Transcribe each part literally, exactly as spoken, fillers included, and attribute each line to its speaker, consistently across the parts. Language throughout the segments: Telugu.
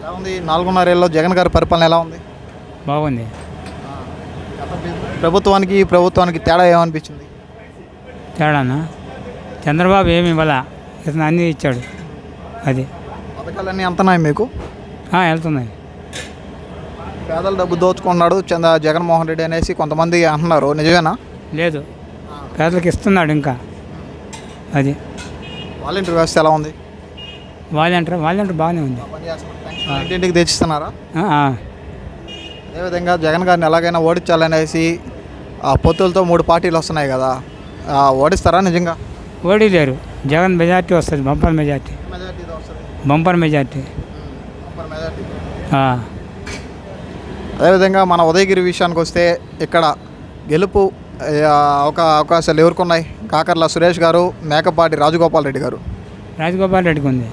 Speaker 1: ఎలా ఉంది నాలుగున్నర ఏళ్ళలో జగన్ గారి పరిపాలన ఎలా ఉంది?
Speaker 2: బాగుంది.
Speaker 1: ప్రభుత్వానికి ఈ ప్రభుత్వానికి తేడా ఏమనిపించింది?
Speaker 2: తేడానా? చంద్రబాబు ఏమి ఇవ్వాల, ఇతను అన్నీ ఇచ్చాడు. అది
Speaker 1: పథకాలన్నీ అంతనాయి మీకు?
Speaker 2: ఆ, వెళ్తున్నాయి.
Speaker 1: పేదల డబ్బు దోచుకున్నాడు చంద్ర జగన్మోహన్ రెడ్డి అనేసి కొంతమంది అంటున్నారు, నిజమేనా?
Speaker 2: లేదు, పేదలకు ఇస్తున్నాడు ఇంకా. అది
Speaker 1: వాలంటీర్ వ్యవస్థ ఎలా ఉంది?
Speaker 2: వాలంటీర్ వాలంటీర్ బాగానే ఉంది.
Speaker 1: ఇంటింటికి తెచ్చిస్తున్నారా?
Speaker 2: ఆ, ఆ.
Speaker 1: అదేవిధంగా జగన్ గారిని ఎలాగైనా ఓడించాలనేసి ఆ పొత్తులతో మూడు పార్టీలు వస్తున్నాయి కదా, ఆ, ఓడిస్తారా నిజంగా?
Speaker 2: ఓడిలేరు. జగన్ మెజార్టీ వస్తుంది, బంపర్ మెజార్టీ. Bumper majority. ఆ.
Speaker 1: అదేవిధంగా మన ఉదయగిరి విషయానికి వస్తే ఇక్కడ గెలుపు ఆ, ఒక అవకాశాలు ఎవరికి ఉన్నాయి? కాకర్ల సురేష్ గారు, మేకపాటి రాజగోపాల్ రెడ్డి గారు.
Speaker 2: రాజగోపాల్ రెడ్డికి ఉంది.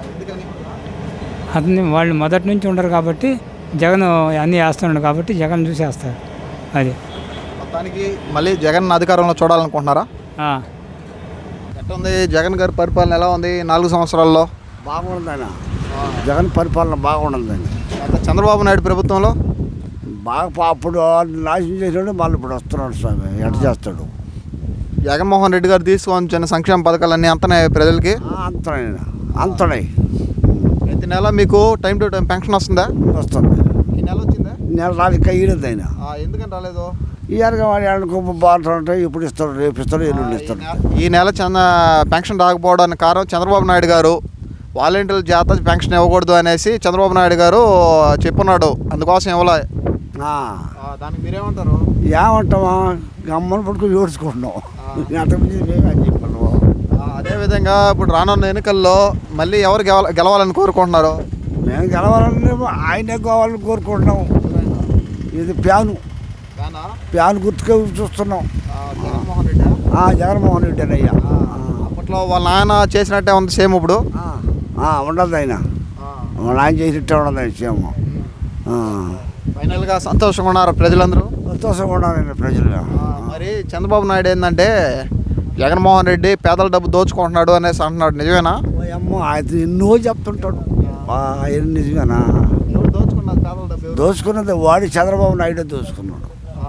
Speaker 2: అతన్ని వాళ్ళు మొదటి నుంచి ఉండరు కాబట్టి జగన్ అన్నీ వేస్తున్నాడు కాబట్టి జగన్ చూసి వేస్తారు. అది
Speaker 1: మొత్తానికి మళ్ళీ జగన్ అధికారంలో చూడాలనుకుంటున్నారా?
Speaker 2: ఆ.
Speaker 1: ఎట్లా ఉంది జగన్ గారి పరిపాలన ఎలా ఉంది నాలుగు సంవత్సరాల్లో?
Speaker 3: బాగుండదన్న జగన్ పరిపాలన బాగుండదండి.
Speaker 1: అంత చంద్రబాబు నాయుడు ప్రభుత్వంలో
Speaker 3: బాగా పా- అప్పుడు నాశనం చేసాడు, మళ్ళీ ఇప్పుడు వస్తున్నాడు స్వామి. ఎట చేస్తాడు?
Speaker 1: జగన్మోహన్ రెడ్డి గారు తీసుకొచ్చిన సంక్షేమ పథకాలన్నీ అంతనే ప్రజలకి?
Speaker 3: అంతనే అంతనే
Speaker 1: ప్రతి నెల మీకు టైం టు టైం పెన్షన్ వస్తుందా?
Speaker 3: వస్తుంది.
Speaker 1: ఈ నెల వచ్చిందా?
Speaker 3: నెల రాలిక ఈడదు ఆయన.
Speaker 1: ఎందుకని రాలేదు?
Speaker 3: ఇయర్గా వాడి అనుకో బాగుంటుంటాయి. ఇప్పుడు ఇస్తాడు, రేపు ఇస్తాడు, ఎల్లుండి ఇస్తాడు.
Speaker 1: ఈ నెల చంద పెన్షన్ రాకపోవడానికి కారణం చంద్రబాబు నాయుడు గారు వాలంటీర్ల చేత పెన్షన్ ఇవ్వకూడదు అనేసి చంద్రబాబు నాయుడు గారు చెప్పున్నాడు, అందుకోసం ఇవ్వలే. దానికి మీరేమంటారు?
Speaker 3: ఏమంటామా, గమ్మని పడుకుని ఏడ్చుకుంటున్నాం. అంతకుమించి మేము అని చెప్పాను.
Speaker 1: అదేవిధంగా ఇప్పుడు రానున్న ఎన్నికల్లో మళ్ళీ ఎవరు గెల గెలవాలని కోరుకుంటున్నారు?
Speaker 3: మేము గెలవాలని ఆయనే కావాలని కోరుకుంటున్నాం. ఇది ప్యాను ప్యాన్ గుర్తుగా చూస్తున్నాం.
Speaker 1: జగన్మోహన్ రెడ్డి
Speaker 3: జగన్మోహన్ రెడ్డి అని అయ్యా.
Speaker 1: అప్పట్లో వాళ్ళ నాయన చేసినట్టే ఉంది సేమ్ ఇప్పుడు?
Speaker 3: ఉండదు ఆయన, వాళ్ళ ఆయన చేసినట్టే ఉండదు ఆయన సేమ్.
Speaker 1: ఫైనల్గా సంతోషంగా ఉన్నారు ప్రజలందరూ?
Speaker 3: సంతోషంగా ఉండాలండి ప్రజలు.
Speaker 1: మరి చంద్రబాబు నాయుడు ఏంటంటే జగన్మోహన్ రెడ్డి పేదల డబ్బు దోచుకుంటున్నాడు అనేసి అంటున్నాడు, నిజమేనా?
Speaker 3: అమ్మో, ఆయన ఎన్నో చెప్తుంటాడు. ఆయన నిజమేనా?
Speaker 1: దోచుకున్నది పేదల డబ్బు?
Speaker 3: దోచుకున్నది వాడి చంద్రబాబు నాయుడు దోచుకున్నాడు.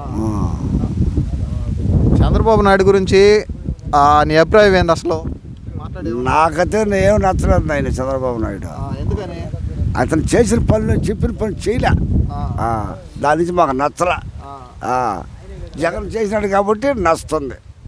Speaker 1: చంద్రబాబు నాయుడు గురించి నీ అభిప్రాయం ఏంది అసలు?
Speaker 3: నాకైతే ఏం నచ్చలేదు ఆయన చంద్రబాబు నాయుడు.
Speaker 1: ఎందుకని?
Speaker 3: అతను చేసిన పనులు చెప్పిన పని చేయలే, దాని నుంచి మాకు నచ్చలే. జగన్ చేసినాడు కాబట్టి నచ్చుతుంది.